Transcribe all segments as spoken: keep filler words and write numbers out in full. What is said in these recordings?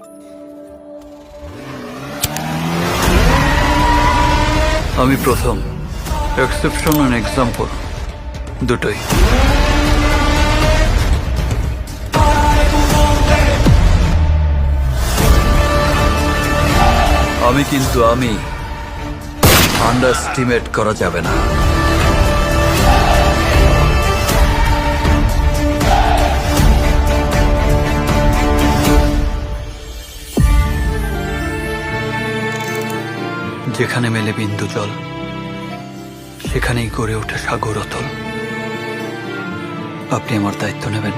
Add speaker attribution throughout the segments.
Speaker 1: আমি প্রথম, exception and example দুটোই। আমি কিন্তু আমি আন্ডারস্টিমেট করা যাবে না। যেখানে মেলে বিন্দু জল, সেখানেই গড়ে ওঠে সাগর অতল। আপনি আমার দায়িত্ব নেবেন।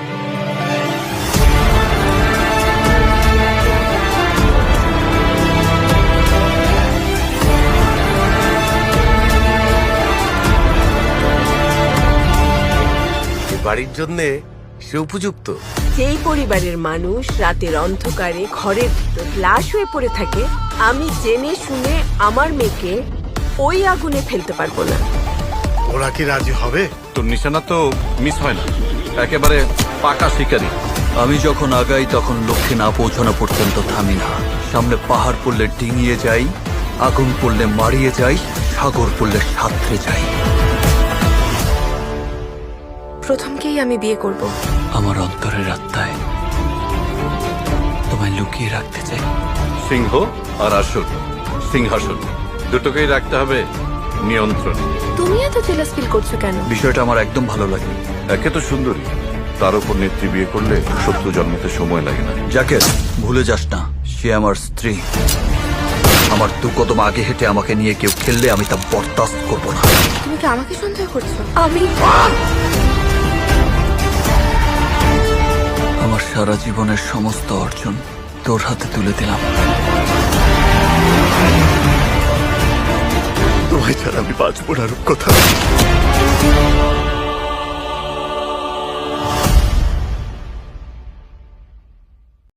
Speaker 2: বাড়ির জন্য সে উপযুক্ত।
Speaker 3: যেই পরিবারের মানুষ রাতের অন্ধকারে ঘরের ভিতর লাশ হয়ে পড়ে থাকে, আমি জেনে শুনে আমার মেয়েকে ওই আগুনে ফেলতে পারবো না।
Speaker 2: ওরা কি রাজি হবে?
Speaker 4: তোর নিশানা তো মিস হয় না, একেবারে পাকা শিকারি।
Speaker 1: আমি যখন আগাই তখন লক্ষ্যে না পৌঁছানো পর্যন্ত থামি না। সামনে পাহাড় পড়লে ডিঙিয়ে যাই, আগুন পড়লে মারিয়ে যাই, সাগর পড়লে সাঁতরে যাই।
Speaker 3: প্রথমকেই আমি বিয়ে করব।
Speaker 1: আমার অন্তরের আত্মায় তোমায় লুকিয়ে রাখতে চাই।
Speaker 4: সিংহ আর আসুর, সিংহাসন দুটোকেই রাখতে হবে নিয়ন্ত্রণ।
Speaker 3: তুমি এত জেলাস ফিল করছো কেন?
Speaker 1: বিষয়টা আমার একদম ভালো লাগে।
Speaker 4: একে তো সুন্দরী, তার উপর নেত্রী বিয়ে করলে শত্রু জন্মতে সময় লাগে না।
Speaker 1: যাকে ভুলে যাস না, সে আমার স্ত্রী। আমার দু কদম আগে হেঁটে আমাকে নিয়ে কেউ খেললে আমি তা বরদাস্ত করবো না।
Speaker 3: তুমি কি আমাকে সন্দেহ করছো? আমি
Speaker 1: আমার সারা জীবনের সমস্ত অর্জন তোর হাতে তুলে দিলাম।
Speaker 2: তোমায় ছাড়া আমি বাঁচবো না রূপকথা।